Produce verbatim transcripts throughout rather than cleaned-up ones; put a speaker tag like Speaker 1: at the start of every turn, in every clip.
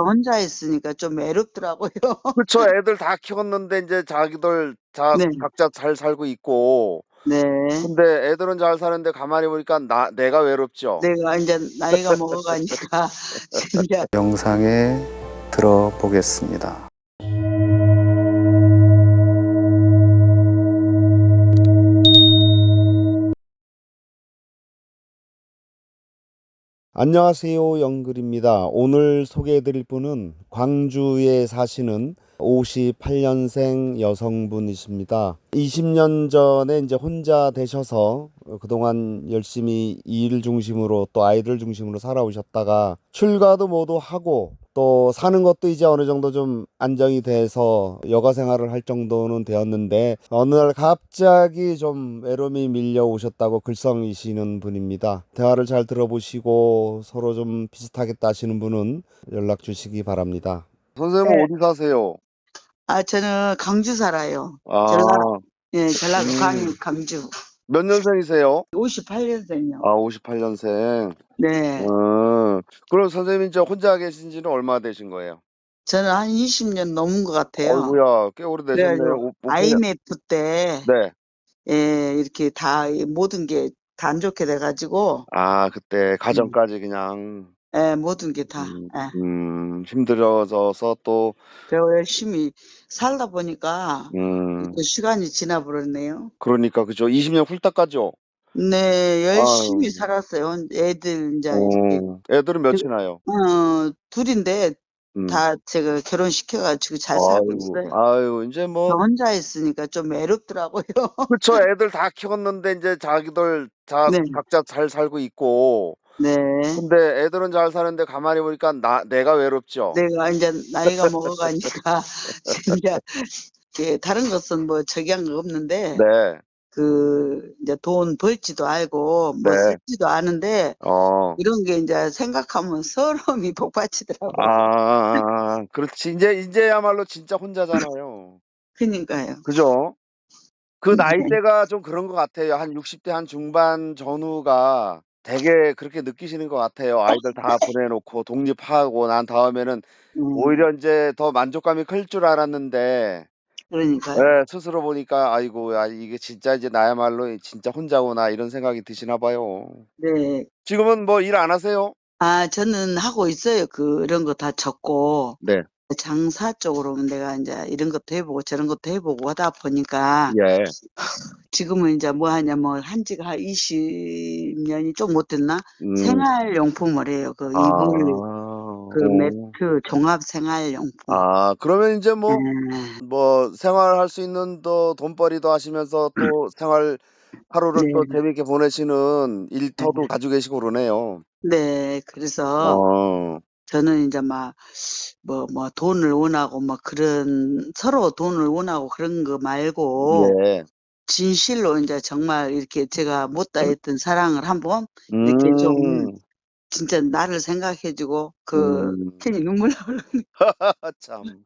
Speaker 1: 혼자 있으니까 좀 외롭더라고요.
Speaker 2: 그쵸. 애들 다 키웠는데 인제 자기들 자
Speaker 1: 네.
Speaker 2: 각자 잘 살고 있고
Speaker 1: 네.
Speaker 2: 근데 애들은 잘 사는데 가만히 보니까 나 내가 외롭죠.
Speaker 1: 내가 인제 나이가 먹어 가니까 진짜
Speaker 3: 영상에 들어보겠습니다. 안녕하세요, 영글입니다. 오늘 소개해 드릴 분은 광주에 사시는 오십팔 년생 여성분이십니다. 이십 년 전에 이제 혼자 되셔서 그동안 열심히 일 중심으로 또 아이들 중심으로 살아오셨다가 출가도 모두 하고 또 사는 것도 이제 어느 정도 좀 안정이 돼서 여가 생활을 할 정도는 되었는데 어느 날 갑자기 좀 외로움이 밀려오셨다고 글썽이시는 분입니다. 대화를 잘 들어보시고 서로 좀 비슷하겠다 하시는 분은 연락 주시기 바랍니다.
Speaker 2: 선생님은
Speaker 1: 네.
Speaker 2: 어디 사세요?
Speaker 1: 아 저는 강주 살아요.
Speaker 2: 아.
Speaker 1: 전라 예 전라도 광
Speaker 2: 음.
Speaker 1: 강주.
Speaker 2: 몇 년생이세요?
Speaker 1: 오십팔 년생이요.
Speaker 2: 아 오십팔 년생.
Speaker 1: 네.
Speaker 2: 음. 그럼 선생님이 이제 혼자 계신 지는 얼마나 되신 거예요?
Speaker 1: 저는 한 이십 년 넘은 것 같아요.
Speaker 2: 어이구야. 꽤
Speaker 1: 그래
Speaker 2: 오래되셨네요.
Speaker 1: 가지고
Speaker 2: 오 오십팔 년.
Speaker 1: 아이엠에프 때
Speaker 2: 네.
Speaker 1: 예 이렇게 다 이 모든 게 다 안 좋게 돼 가지고
Speaker 2: 아 그때
Speaker 1: 음.
Speaker 2: 가정까지 그냥
Speaker 1: 예 모든 게 다
Speaker 2: 음
Speaker 1: 예.
Speaker 2: 음 힘들어져서 또
Speaker 1: 그리고 열심히 살다 보니까
Speaker 2: 음.
Speaker 1: 또 시간이 지나 버렸네요.
Speaker 2: 그러니까 그죠. 이십 년 훌딱 가죠.
Speaker 1: 네. 열심히
Speaker 2: 아유.
Speaker 1: 살았어요. 애들 인자 이렇게
Speaker 2: 어. 애들은
Speaker 1: 그
Speaker 2: 몇이나요?
Speaker 1: 어 둘 인데
Speaker 2: 음.
Speaker 1: 다 제가 결혼시켜 가지고 잘 살고
Speaker 2: 아이고.
Speaker 1: 있어요.
Speaker 2: 아유 인제
Speaker 1: 저
Speaker 2: 뭐
Speaker 1: 혼자 있으니까 좀 외롭더라고요.
Speaker 2: 그쵸. 애들 다 키웠는데 인제 자기들 자
Speaker 1: 네.
Speaker 2: 각자 잘 살고 있고
Speaker 1: 네.
Speaker 2: 근데 애들은 잘 사는데 가만히 보니까 나 내가 외롭죠.
Speaker 1: 내가 인제 나이가 먹어 가니까 진짜 예 다른 것은 뭐 저기한 거 없는데
Speaker 2: 네.
Speaker 1: 그 인제 돈 벌지도 알고 뭐
Speaker 2: 네.
Speaker 1: 쓰지도 않은데
Speaker 2: 어.
Speaker 1: 이런 게 인제 생각하면 서러움이 복받치더라고요.
Speaker 2: 아아아아. 그렇지. 인제 인제야말로 진짜 혼자잖아요.
Speaker 1: 그니까요.
Speaker 2: 그죠? 그
Speaker 1: 네.
Speaker 2: 나이대가 좀 그런 것 같아요. 한 육십 대 한 중반 전후가 되게 그렇게 느끼시는 것 같아요. 아이들 다 보내 놓고 독립하고 난 다음에는
Speaker 1: 음.
Speaker 2: 오히려 인제 더 만족감이 클 줄 알았는데
Speaker 1: 그러니까요.
Speaker 2: 예 스스로 보니까 '아이고 야 이게 진짜 이제 나야말로 이 진짜 혼자구나.' 이런 생각이 드시나 봐요.
Speaker 1: 네.
Speaker 2: 지금은 뭐 일 안 하세요?
Speaker 1: 아 저는 하고 있어요. 그런 거 다 접고.
Speaker 2: 네.
Speaker 1: 장사 쪽으로 내가 인제 이런 것도 해 보고 저런 것도 해 보고 하다 보니까
Speaker 2: 예.
Speaker 1: 지금은 인제 뭐 하냐면 한 지가 한 이십 년이 좀 못 됐나?
Speaker 2: 음.
Speaker 1: 생활용품을 해요. 그
Speaker 2: 아.
Speaker 1: 이불 그
Speaker 2: 어.
Speaker 1: 매트 종합 생활용품.
Speaker 2: 아 그러면 인제 뭐
Speaker 1: 네.
Speaker 2: 뭐 생활할 수 있는 또 돈벌이도 하시면서 또 생활 하루를 또
Speaker 1: 네.
Speaker 2: 재미있게 보내시는 일터도
Speaker 1: 네.
Speaker 2: 가지고 계시고 그러네요.
Speaker 1: 네. 그래서
Speaker 2: 어.
Speaker 1: 저는 인제 막 뭐 뭐 돈을 원하고 뭐 그런 서로 돈을 원하고 그런 거 말고
Speaker 2: 예.
Speaker 1: 진실로 인제 정말 이렇게 제가 못다 했던 사랑을 한번 이렇게 좀
Speaker 2: 음.
Speaker 1: 진짜 나를 생각해 주고 그
Speaker 2: 음.
Speaker 1: 괜히 눈물 나오려고
Speaker 2: 참.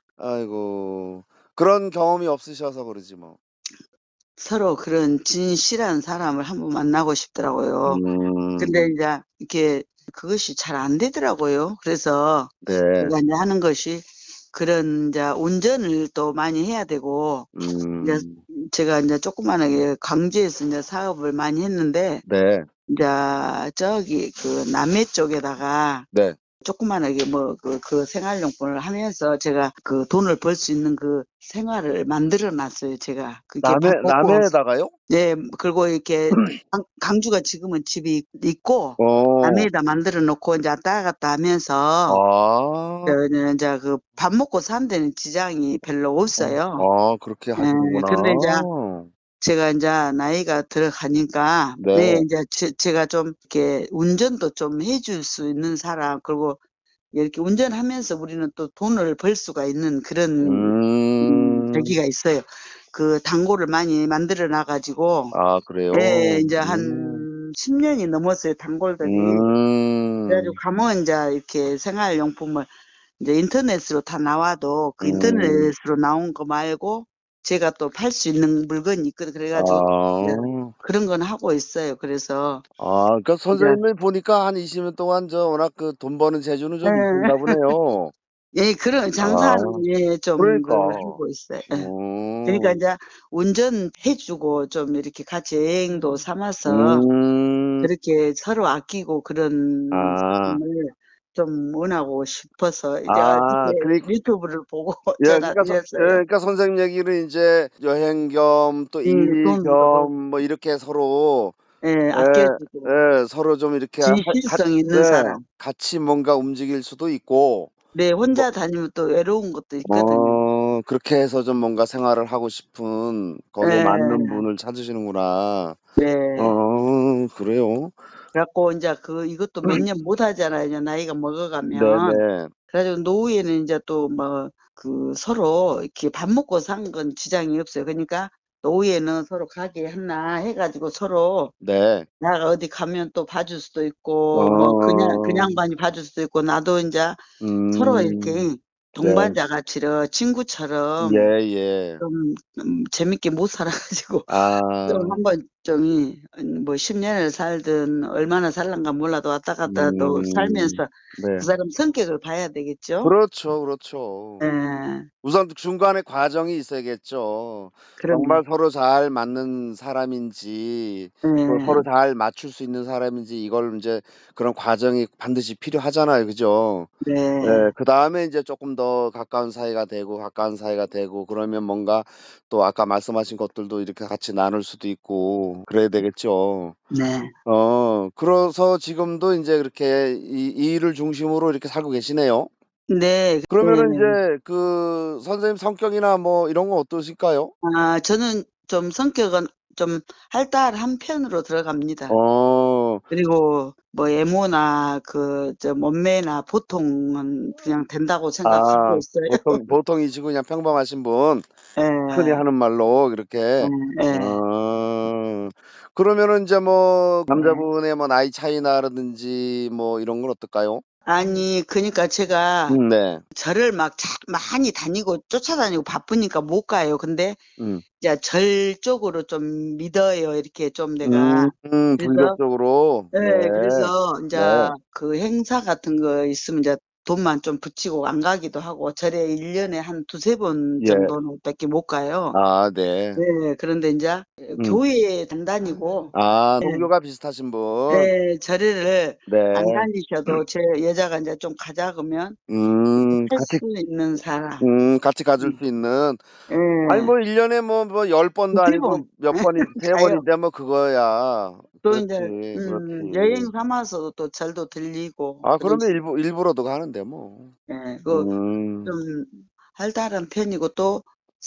Speaker 2: 아이고. 그런 경험이 없으셔서 그러지 뭐.
Speaker 1: 서로 그런 진실한 사람을 한번 만나고 싶더라고요. 근데
Speaker 2: 음.
Speaker 1: 인제 이렇게 그것이 잘 안 되더라고요. 그래서
Speaker 2: 네.
Speaker 1: 제가 인제 하는 것이 그런 인제 운전을 또 많이 해야 되고 인제
Speaker 2: 음.
Speaker 1: 제가 인제 조그만하게 광주에서 인제 사업을 많이 했는데
Speaker 2: 네.
Speaker 1: 인제 저기 그 남해 쪽에다가
Speaker 2: 네.
Speaker 1: 조그만하게 뭐 그 그 생활용품을 하면서 제가 그 돈을 벌 수 있는 그 생활을 만들어 놨어요 제가. 그게
Speaker 2: 남해
Speaker 1: 밥 먹고
Speaker 2: 남해에다가요?
Speaker 1: 네 그리고 이렇게 강 강주가 지금은 집이 있고
Speaker 2: 어.
Speaker 1: 남해에다 만들어 놓고 인제 왔다 갔다 하면서
Speaker 2: 아.
Speaker 1: 저는 인제 그 밥 먹고 사는 데는 지장이 별로
Speaker 2: 어.
Speaker 1: 없어요.
Speaker 2: 아 그렇게
Speaker 1: 예.
Speaker 2: 하시는구나.
Speaker 1: 근데 인제 제가 인제 나이가 들어가니까 네
Speaker 2: 네.
Speaker 1: 인제 제 제가 좀 이렇게 운전도 좀 해 줄 수 있는 사람 그리고 이렇게 운전하면서 우리는 또 돈을 벌 수가 있는 그런 음
Speaker 2: 음.
Speaker 1: 계기가 있어요. 그 단골을 많이 만들어 놔 가지고
Speaker 2: 아 그래요?
Speaker 1: 예 인제
Speaker 2: 음.
Speaker 1: 한 십 년이 넘었어요 단골들이. 그래 가지고
Speaker 2: 음.
Speaker 1: 가면 인제 이렇게 생활용품을 인제 인터넷으로 다 나와도 그
Speaker 2: 음.
Speaker 1: 인터넷으로 나온 거 말고 제가 또 팔 수 있는 물건이 있거든. 그래 가지고 이제
Speaker 2: 아.
Speaker 1: 그런 건 하고 있어요. 그래서
Speaker 2: 아 그러니까
Speaker 1: 인제
Speaker 2: 선생님을 보니까 한 이십 년 동안 저 워낙 그 돈 버는 재주는
Speaker 1: 예.
Speaker 2: 좀 있으신가 보네요.
Speaker 1: 예, 그런
Speaker 2: 아,
Speaker 1: 장사는 예, 좀
Speaker 2: 그러니까.
Speaker 1: 그 하고 있어요. 예. 그러니까
Speaker 2: 어.
Speaker 1: 이제 운전해주고 좀 이렇게 같이 여행도 삼아서
Speaker 2: 음.
Speaker 1: 그렇게 서로 아끼고 그런
Speaker 2: 아.
Speaker 1: 삶을 좀 원하고 싶어서 이제
Speaker 2: 아,
Speaker 1: 어저께
Speaker 2: 그러니까
Speaker 1: 유튜브를 보고
Speaker 2: 예,
Speaker 1: 전화
Speaker 2: 그러니까 선 예,
Speaker 1: 드렸어요.
Speaker 2: 그러니까 선생님 얘기는 인제 여행 겸 또
Speaker 1: 예,
Speaker 2: 일
Speaker 1: 돈도
Speaker 2: 겸
Speaker 1: 벌고.
Speaker 2: 뭐 이렇게 서로
Speaker 1: 예,
Speaker 2: 예,
Speaker 1: 아껴주고.
Speaker 2: 예, 서로 좀 이렇게 하 같
Speaker 1: 진실성 있는
Speaker 2: 네,
Speaker 1: 사람.
Speaker 2: 같이 뭔가 움직일 수도 있고
Speaker 1: 네,
Speaker 2: 뭐
Speaker 1: 혼자 다니면 또 외로운 것도 있거든요.
Speaker 2: 어, 그렇게 해서 좀 뭔가 생활을 하고 싶은 거기에 맞는
Speaker 1: 예.
Speaker 2: 분을 찾으시는구나.
Speaker 1: 네.
Speaker 2: 어, 그래요?
Speaker 1: 그래갖고 인제 그 이것도 몇 년 못 하잖아요, 이제 나이가 먹어가면.
Speaker 2: 네네.
Speaker 1: 그래 가지고 노후에는 인제 또 뭐 그 서로 이렇게 밥 먹고 사는 건 지장이 없어요. 그러니까 노후에는 서로 가게 하나 해 가지고 서로
Speaker 2: 네.
Speaker 1: 내가 어디 가면 또 봐줄 수도 있고 뭐 그냥 그
Speaker 2: 어.
Speaker 1: 양반이 봐줄 수도 있고 나도 인제 서로
Speaker 2: 음.
Speaker 1: 이렇게
Speaker 2: 네.
Speaker 1: 동반자같이 이렇게 친구처럼
Speaker 2: 예예.
Speaker 1: 좀 좀 재밌게 못 살아 가지고 좀
Speaker 2: 아.
Speaker 1: 한번 좀 이 뭐 십 년을 살든 얼마나 살란가 몰라도 왔다 갔다 또
Speaker 2: 음.
Speaker 1: 살면서 그
Speaker 2: 네.
Speaker 1: 사람 성격을 봐야 되겠죠?
Speaker 2: 그렇죠, 그렇죠.
Speaker 1: 예.
Speaker 2: 우선 중간에 과정이 있어야겠죠. 정말
Speaker 1: 그럼요.
Speaker 2: 서로 잘 맞는 사람인지 또 서로
Speaker 1: 예.
Speaker 2: 잘 맞출 수 있는 사람인지 이걸 인제 그런 과정이 반드시 필요하잖아요. 그죠? 예.
Speaker 1: 네.
Speaker 2: 그다음에 인제 쪼끔 더 가까운 사이가 되고 가까운 사이가 되고 그러면 뭔가 또 아까 말씀하신 것들도 이렇게 같이 나눌 수도 있고 그래야 되겠죠.
Speaker 1: 네.
Speaker 2: 어, 그래서 지금도 인제 그렇게 이 이 일을 중심으로 이렇게 살고 계시네요?
Speaker 1: 네.
Speaker 2: 그러면은
Speaker 1: 네네.
Speaker 2: 인제 그 선생님 성격이나 뭐 이런 건 어떠실까요?
Speaker 1: 아, 저는 좀 성격은 좀 활달한 편으로 들어갑니다.
Speaker 2: 어.
Speaker 1: 그리고 뭐 외모나 그 저 몸매나 보통은 그냥 된다고 생각하고
Speaker 2: 아,
Speaker 1: 있어요.
Speaker 2: 보통 보통이시고 그냥 평범하신 분. 흔히
Speaker 1: 예.
Speaker 2: 하는 말로 그렇게.
Speaker 1: 예 예.
Speaker 2: 어. 그러면은 인제 뭐
Speaker 1: 네.
Speaker 2: 남자분의 뭐 나이 차이나라든지 뭐 이런 건 어떨까요?
Speaker 1: 아니 그니까 제가
Speaker 2: 음, 네.
Speaker 1: 절을 막 자 많이 다니고 쫓아다니고 바쁘니까 못 가요. 근데
Speaker 2: 음.
Speaker 1: 이제 절 쪽으로 좀 믿어요. 이렇게 좀 내가.
Speaker 2: 음,
Speaker 1: 그래서
Speaker 2: 불교적으로. 네.
Speaker 1: 예, 그래서 인제
Speaker 2: 네.
Speaker 1: 그 행사 같은 거 있으면 이제 돈만 좀 붙이고 안 가기도 하고 절에 일 년에 한 두세 번
Speaker 2: 예.
Speaker 1: 정도는 밖에 못 가요.
Speaker 2: 아, 네.
Speaker 1: 네, 그런데 인제
Speaker 2: 음.
Speaker 1: 교회에 안 다니고
Speaker 2: 아,
Speaker 1: 예.
Speaker 2: 종교가 비슷하신 분.
Speaker 1: 예, 절을
Speaker 2: 네.
Speaker 1: 안 다니셔도 제 여자가 인제 좀 가자 그러면 이렇게
Speaker 2: 음,
Speaker 1: 할
Speaker 2: 같이
Speaker 1: 수 있는 사람.
Speaker 2: 음, 같이 가줄
Speaker 1: 음.
Speaker 2: 수 있는. 아니
Speaker 1: 예.
Speaker 2: 뭐 일 년에 뭐 뭐 열 번도 아니고
Speaker 1: 두세 번
Speaker 2: 몇 번이 세
Speaker 1: 가요.
Speaker 2: 번인데 뭐 그거야.
Speaker 1: 또
Speaker 2: 그렇지,
Speaker 1: 인제 음
Speaker 2: 그렇지.
Speaker 1: 여행 삼아서 또 절도 들리고
Speaker 2: 아, 그러면
Speaker 1: 그러지.
Speaker 2: 일부 일부러도 가는데 뭐.
Speaker 1: 예. 그
Speaker 2: 음.
Speaker 1: 좀 활달한 편이고 또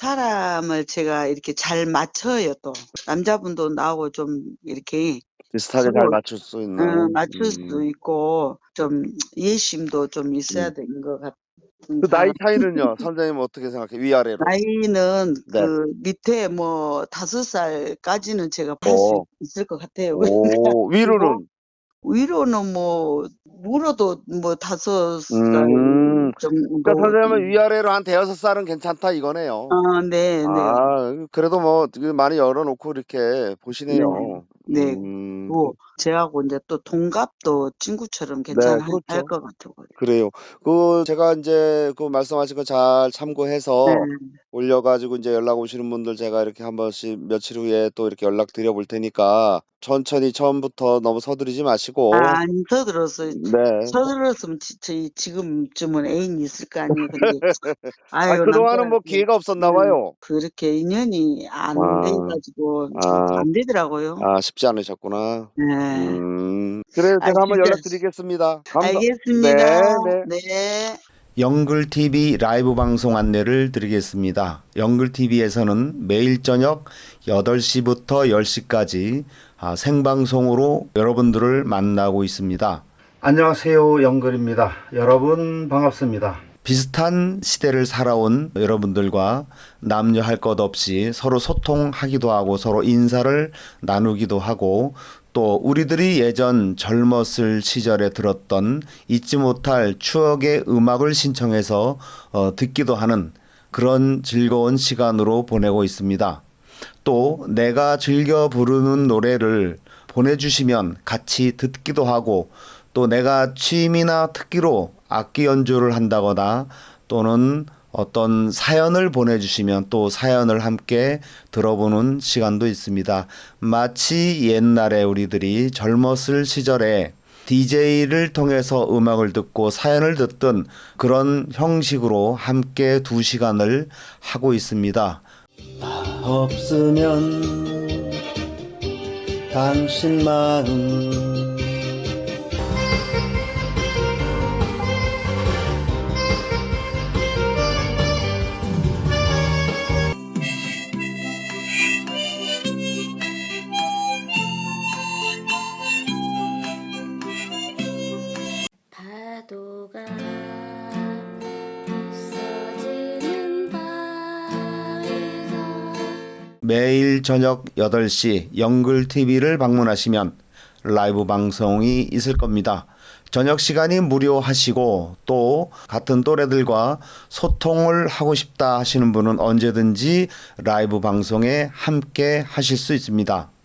Speaker 1: 사람을 제가 이렇게 잘 맞춰요 또. 남자분도 나하고 좀 이렇게
Speaker 2: 비슷하게 잘
Speaker 1: 서로
Speaker 2: 맞출 수
Speaker 1: 어
Speaker 2: 있는.
Speaker 1: 맞출 수도
Speaker 2: 음.
Speaker 1: 있고 좀 이해심도 좀 있어야
Speaker 2: 음.
Speaker 1: 되는 것 같은
Speaker 2: 그 나이
Speaker 1: 사람.
Speaker 2: 차이는요? 선생님은 어떻게 생각해요? 위아래로?
Speaker 1: 나이는
Speaker 2: 네.
Speaker 1: 그 밑에 뭐 다섯 살까지는 제가 할 수
Speaker 2: 어.
Speaker 1: 있을 것 같아요. 그러니까
Speaker 2: 오,
Speaker 1: 그리고
Speaker 2: 위로는?
Speaker 1: 위로는 뭐 물어도 뭐 다섯 살
Speaker 2: 음. 그러니까
Speaker 1: 정도.
Speaker 2: 선생님은
Speaker 1: 음.
Speaker 2: 위아래로 한 대여섯 살은 괜찮다 이거네요.
Speaker 1: 아, 네네.
Speaker 2: 아, 그래도 뭐 그 많이 열어 놓고 이렇게
Speaker 1: 네.
Speaker 2: 보시네요.
Speaker 1: 네.
Speaker 2: 음. 그
Speaker 1: 뭐 저하고 인제 또 동갑도 친구처럼
Speaker 2: 네,
Speaker 1: 괜찮아 할
Speaker 2: 그렇죠.
Speaker 1: 것 같고요.
Speaker 2: 그래요. 그 제가 인제 그 말씀하신 거 잘 참고해서
Speaker 1: 네.
Speaker 2: 올려 가지고 인제 연락 오시는 분들 제가 이렇게 한 번씩 며칠 후에 또 이렇게 연락드려 볼 테니까 천천히 처음부터 너무 서두르지 마시고.
Speaker 1: 아, 안 서둘렀어요.
Speaker 2: 네.
Speaker 1: 서둘렀으면 지 저희 지금쯤은 애인이 있을 거 아니에요. 근데
Speaker 2: 아,
Speaker 1: 아유
Speaker 2: 그동안은 뭐
Speaker 1: 남자한테
Speaker 2: 기회가 없었나
Speaker 1: 음
Speaker 2: 봐요.
Speaker 1: 그렇게 인연이 안 돼
Speaker 2: 아.
Speaker 1: 가지고
Speaker 2: 아.
Speaker 1: 안 되더라고요.
Speaker 2: 아, 쉽지 않으셨구나.
Speaker 1: 네.
Speaker 2: 음. 그래요.
Speaker 1: 아,
Speaker 2: 제가 한번
Speaker 1: 진짜
Speaker 2: 연락드리겠습니다. 감사
Speaker 1: 알겠습니다.
Speaker 2: 네, 네.
Speaker 1: 네.
Speaker 3: 영글티비 라이브 방송 안내를 드리겠습니다. 영글티비에서는 매일 저녁 여덟 시부터 열 시까지 아, 생방송으로 여러분들을 만나고 있습니다. 안녕하세요, 영글입니다. 여러분 반갑습니다. 비슷한 시대를 살아온 여러분들과 남녀 할 것 없이 서로 소통하기도 하고 서로 인사를 나누기도 하고 또 우리들이 예전 젊었을 시절에 들었던 잊지 못할 추억의 음악을 신청해서 어, 듣기도 하는 그런 즐거운 시간으로 보내고 있습니다. 또 내가 즐겨 부르는 노래를 보내주시면 같이 듣기도 하고 또 내가 취미나 특기로 악기 연주를 한다거나 또는 어떤 사연을 보내주시면 또 사연을 함께 들어보는 시간도 있습니다. 마치 옛날에 우리들이 젊었을 시절에 디제이를 통해서 음악을 듣고 사연을 듣던 그런 형식으로 함께 두 시간을 하고 있습니다. 없으면 당신 마음
Speaker 4: 파도가 부서지는 바위가
Speaker 3: 매일 저녁 여덟 시 영글티비를 방문하시면 라이브 방송이 있을 겁니다. 저녁 시간이 무료하시고 또 같은 또래들과 소통을 하고 싶다 하시는 분은 언제든지 라이브 방송에 함께 하실 수 있습니다.